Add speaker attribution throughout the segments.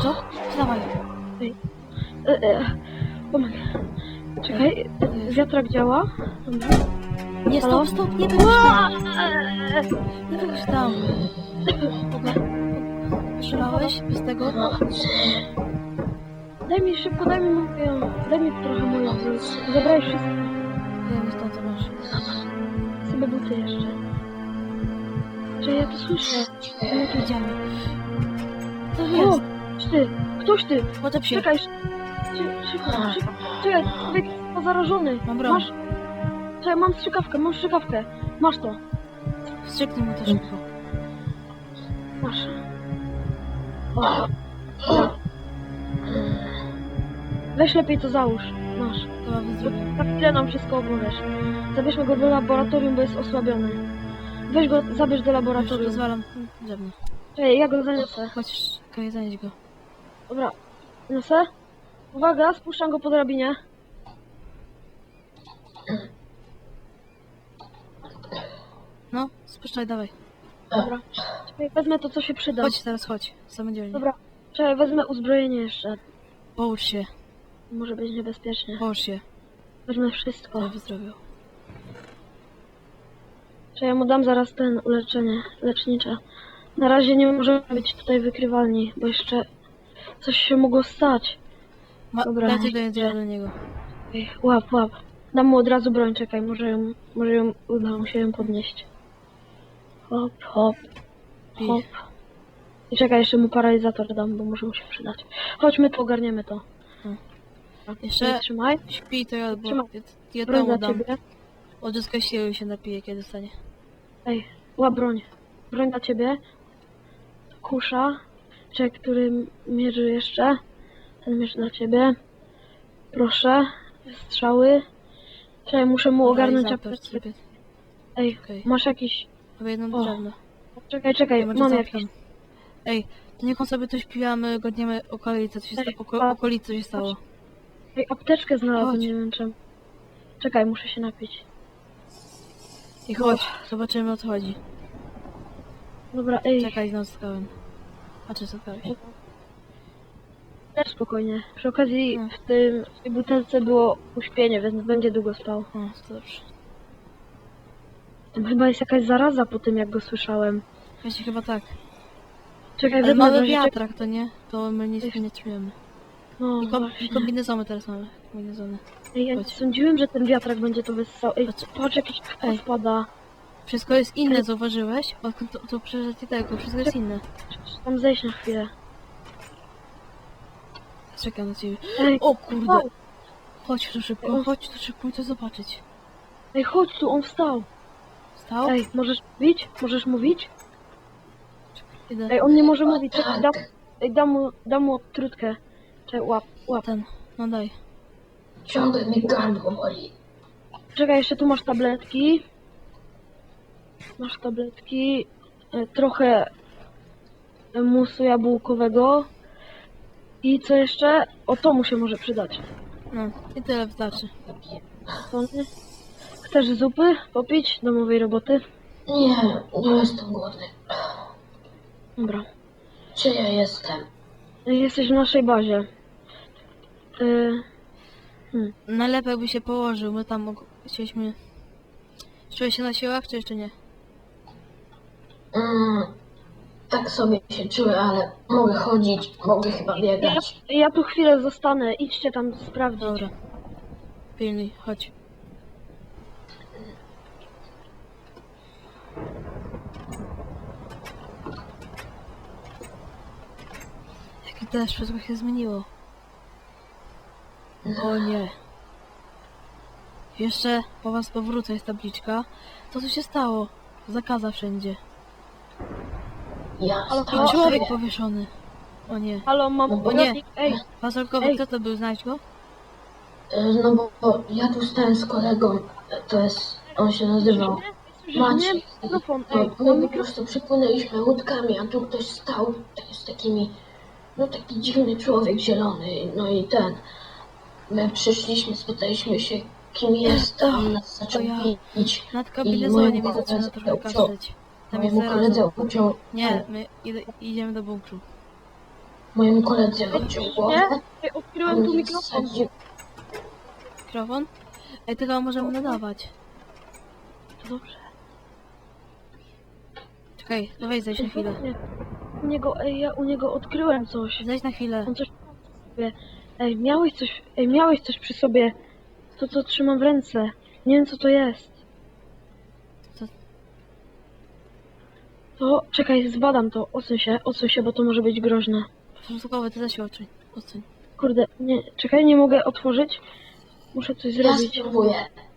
Speaker 1: to? Dawaj.
Speaker 2: Tomek. Czekaj, wiatrak działa? Dobra.
Speaker 1: Nie,
Speaker 2: Halo?
Speaker 1: stop, nie wychodź tam. Nie wychodź tam. Dobra. Strzelałeś bez tego?
Speaker 2: Daj mi szybko, daj mi trochę moją broń. Zabrałeś wszystko.
Speaker 1: Wiem, stąd co masz.
Speaker 2: Sobie buty jeszcze. Czy ja to słyszę?
Speaker 1: Ja tu idziemy. To
Speaker 2: O!
Speaker 1: jest.
Speaker 2: Ty! Ktoś ty!
Speaker 1: Poczep się.
Speaker 2: Czekaj! Szybko. Czekaj, człowiek jest pozarażony.
Speaker 1: Mam broń.
Speaker 2: Masz... Czekaj, mam strzykawkę. Masz to.
Speaker 1: Wstrzyknij mu to szybko.
Speaker 2: Masz. O. Weź lepiej to załóż. Masz.
Speaker 1: Chyba wyzdrowię.
Speaker 2: Na chwilę nam wszystko opowiesz. Zabierzmy go do laboratorium, bo jest osłabiony. Weź go, zabierz do laboratorium.
Speaker 1: Rozwalam drewno.
Speaker 2: Czekaj, ja go zaniosę.
Speaker 1: Chodź, Kaj, zanieś go.
Speaker 2: Dobra, niosę. Uwaga, spuszczam go po drabinie.
Speaker 1: No, spuszczaj, dawaj.
Speaker 2: Dobra. Czekaj, wezmę to, co się przyda.
Speaker 1: Chodź, teraz chodź. Samodzielnie.
Speaker 2: Dobra. Czekaj, wezmę uzbrojenie jeszcze.
Speaker 1: Połóż się,
Speaker 2: Może być niebezpiecznie.
Speaker 1: połóż się.
Speaker 2: Wezmę wszystko.
Speaker 1: Ale wyzdrowiał.
Speaker 2: Czekaj, ja mu dam zaraz ten uleczenie lecznicze. Na razie nie możemy być tutaj wykrywalni, bo jeszcze coś się mogło stać. Dobra.
Speaker 1: Dajcie do jedzenia do niego.
Speaker 2: Ej, łap. Dam mu od razu broń, czekaj, może ją uda mu się ją podnieść. Hop.
Speaker 1: Pij.
Speaker 2: I czekaj, jeszcze mu paralizator dam, bo może mu się przydać. Chodźmy tu, ogarniemy to.
Speaker 1: Jeszcze
Speaker 2: Trzymaj.
Speaker 1: śpi, to ja, bo
Speaker 2: Trzymaj.
Speaker 1: ja
Speaker 2: Broń
Speaker 1: to
Speaker 2: dla
Speaker 1: mu dam.
Speaker 2: ciebie.
Speaker 1: Odzyskaj siły i się napije, kiedy stanie.
Speaker 2: Ej, łap broń. Broń dla ciebie. Kusza. Czekaj, który mierzy jeszcze. Ten mierzy dla ciebie. Proszę. Strzały. Czekaj, muszę mu ogarnąć
Speaker 1: Zapewne
Speaker 2: apteczkę.
Speaker 1: sobie.
Speaker 2: Ej,
Speaker 1: Okej.
Speaker 2: masz jakiś...
Speaker 1: Mamy jedną
Speaker 2: O.
Speaker 1: drewno.
Speaker 2: Czekaj,
Speaker 1: Ja może
Speaker 2: mam
Speaker 1: zapytam.
Speaker 2: jakiś...
Speaker 1: Ej, to niech on sobie tu śpi, a my godniemy okolice, co się
Speaker 2: Ej,
Speaker 1: okolicy, co się stało.
Speaker 2: Ej, apteczkę znalazłem,
Speaker 1: Chodź.
Speaker 2: nie wiem czym. Czekaj, muszę się napić.
Speaker 1: I chodź, zobaczymy o co chodzi.
Speaker 2: Dobra, ej,
Speaker 1: Czekaj, no spotkałem. A czy spotkałeś?
Speaker 2: też spokojnie. Przy okazji
Speaker 1: No.
Speaker 2: w tej butelce było uśpienie, więc będzie długo spał.
Speaker 1: O, to dobrze.
Speaker 2: Tam chyba jest jakaś zaraza po tym, jak go słyszałem.
Speaker 1: Wiecie, chyba tak.
Speaker 2: Czekaj,
Speaker 1: Ale
Speaker 2: wezmę
Speaker 1: mamy
Speaker 2: nożyczek.
Speaker 1: wiatrak, to nie? To my nic nie czujemy.
Speaker 2: No,
Speaker 1: I
Speaker 2: właśnie.
Speaker 1: kombinezony teraz mamy. Kombinezony.
Speaker 2: Ej, ja nie
Speaker 1: chodź.
Speaker 2: sądziłem, że ten wiatrak będzie to wyssał. Ej,
Speaker 1: Chodź.
Speaker 2: patrz, jakiś
Speaker 1: Ej.
Speaker 2: spada.
Speaker 1: Wszystko jest inne, zauważyłeś? Odkąd to przeżycie tego, wszystko jest inne.
Speaker 2: Trzeba tam zejść na chwilę.
Speaker 1: Czekam na ciebie.
Speaker 2: Ej,
Speaker 1: O kurde!
Speaker 2: wstał.
Speaker 1: Chodź tu szybko i to zobaczyć.
Speaker 2: Ej, chodź tu, on wstał.
Speaker 1: Wstał?
Speaker 2: Ej, możesz mówić? Możesz mówić?
Speaker 1: Idę.
Speaker 2: Ej, on nie może mówić. Czekaj, dam mu odtrutkę. Czekaj, łap.
Speaker 1: Ten, no daj.
Speaker 3: Ciągle mi gardło boli.
Speaker 2: Czekaj, jeszcze tu masz tabletki. Trochę musu jabłkowego. I co jeszcze? O, to mu się może przydać.
Speaker 1: No, i tyle wystarczy.
Speaker 2: To nie? Chcesz zupy popić? Domowej roboty?
Speaker 3: Nie jestem głodny.
Speaker 2: Dobra.
Speaker 3: Gdzie ja jestem?
Speaker 2: Jesteś w naszej bazie.
Speaker 1: Najlepiej jakby się położył, my tam chcieliśmy... Czułeś się na siłach, czy jeszcze nie?
Speaker 3: Tak sobie się czuję, ale mogę chodzić, mogę chyba biegać.
Speaker 2: Ja tu chwilę zostanę. Idźcie tam sprawdzić.
Speaker 1: Dobra. Pilnuj, chodź. Jaki deszcz, wszystko się zmieniło. O nie. Jeszcze po was powrócę, jest tabliczka. Co tu się stało? Zakaza wszędzie.
Speaker 3: Ja
Speaker 2: Ale
Speaker 3: stałem
Speaker 1: Człowiek
Speaker 3: sobie.
Speaker 1: powieszony. O nie.
Speaker 2: Halo, mam
Speaker 3: O nie.
Speaker 2: poradnik. Ej,
Speaker 1: Fasolkowy,
Speaker 2: Ej.
Speaker 1: kto to był? Znajdź go?
Speaker 3: No bo ja tu stałem z kolegą, to jest, on się nazywał Maciej.
Speaker 2: Mikrofon,
Speaker 3: No,
Speaker 2: ej,
Speaker 3: my po prostu przypłynęliśmy łódkami, a tu ktoś stał z takimi, no taki dziwny człowiek zielony, no i ten. My przyszliśmy, spytaliśmy się, kim jest, a on nas zaczął
Speaker 1: ja.
Speaker 3: bić.
Speaker 1: Nad
Speaker 3: I
Speaker 1: kabinezonie mi
Speaker 3: mojemu
Speaker 1: zaczyna
Speaker 3: koledze
Speaker 1: trochę
Speaker 3: uciął.
Speaker 1: kaszleć. Tam jest
Speaker 3: Mojemu
Speaker 1: zaraz.
Speaker 3: koledze uciął.
Speaker 1: Nie, my idziemy do bunkru.
Speaker 3: Mojemu koledze odciął głowę,
Speaker 2: Ej,
Speaker 3: a
Speaker 2: odkryłem tu
Speaker 3: mnie
Speaker 2: mikrofon.
Speaker 3: wsadził.
Speaker 1: Mikrofon? Ej, tego możemy nadawać.
Speaker 2: To dobrze.
Speaker 1: Czekaj, no weź zejdź na chwilę.
Speaker 2: Nie. Ja u niego odkryłem coś.
Speaker 1: Zejdź na chwilę.
Speaker 2: On coś sobie. Miałeś coś przy sobie. To co trzymam w ręce. Nie wiem co to jest.
Speaker 1: Co?
Speaker 2: To, czekaj, zbadam to. Odsuń się, bo to może być groźne.
Speaker 1: Porządkowy, ty zaś odsuń. Odsuń.
Speaker 2: Kurde, nie, czekaj, nie mogę otworzyć. Muszę coś
Speaker 3: Ja
Speaker 2: zrobić.
Speaker 3: spróbuję.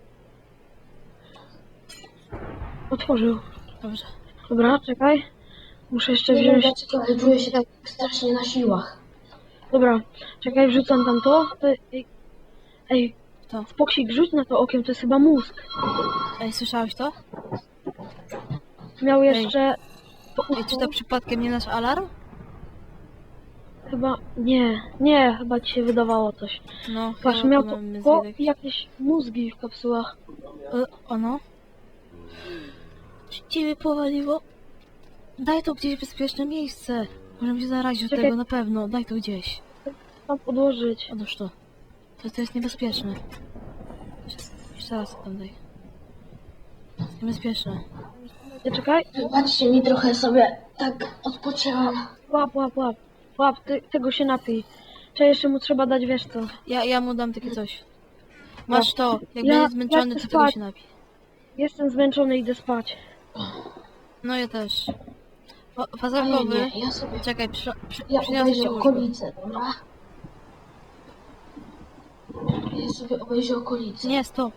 Speaker 2: Otworzył.
Speaker 1: Dobrze.
Speaker 2: Dobra, czekaj. Muszę jeszcze
Speaker 3: Nie wiem
Speaker 2: wziąć.
Speaker 3: dlaczego, ale czuję się tak strasznie na siłach.
Speaker 2: Dobra, czekaj, wrzucam tam to. Ej,
Speaker 1: To.
Speaker 2: Spoksik, rzuć na to okiem, to jest chyba mózg.
Speaker 1: Ej, słyszałeś to?
Speaker 2: Miał
Speaker 1: Ej.
Speaker 2: jeszcze...
Speaker 1: Ej, czy to przypadkiem nie nasz alarm?
Speaker 2: Chyba... Nie, chyba ci się wydawało coś.
Speaker 1: No,
Speaker 2: Patrz,
Speaker 1: chyba
Speaker 2: miał
Speaker 1: to
Speaker 2: to
Speaker 1: mamy
Speaker 2: po
Speaker 1: zwiedek.
Speaker 2: jakieś mózgi w kapsułach.
Speaker 1: Ono? Ciebie powaliło? Daj to gdzieś bezpieczne miejsce. Możemy się zarazić od
Speaker 2: Czekaj.
Speaker 1: tego na pewno. Daj to gdzieś.
Speaker 2: Tam podłożyć.
Speaker 1: Odłóż to. To jest niebezpieczne. Jeszcze raz tam daj. Niebezpieczne.
Speaker 2: Nie, czekaj.
Speaker 3: Wybaczcie mi, trochę sobie tak odpoczęłam.
Speaker 2: Łap, tego się napij. Czy jeszcze mu trzeba dać, wiesz co?
Speaker 1: Ja mu dam takie coś. Masz to. Jak
Speaker 2: Ja-
Speaker 1: będzie zmęczony,
Speaker 2: ja
Speaker 1: to
Speaker 2: chcę
Speaker 1: tego
Speaker 2: spać.
Speaker 1: się napi.
Speaker 2: Jestem zmęczony, idę spać.
Speaker 1: No ja też.
Speaker 3: Ale
Speaker 1: Fazarkowy.
Speaker 3: nie, ja sobie...
Speaker 1: Czekaj,
Speaker 3: Ja
Speaker 1: przyniosę ci
Speaker 3: obejrzę
Speaker 1: łóżko.
Speaker 3: okolice, dobra? Ja sobie obejrzę okolice.
Speaker 1: Nie, stop.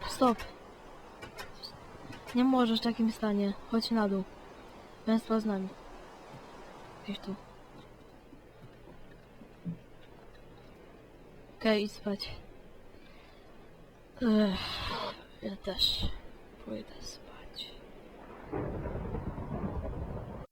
Speaker 1: Nie możesz w takim stanie. Chodź na dół. Państwo z nami. Gdzieś tu. Okej, idź spać. Ja też pójdę spać.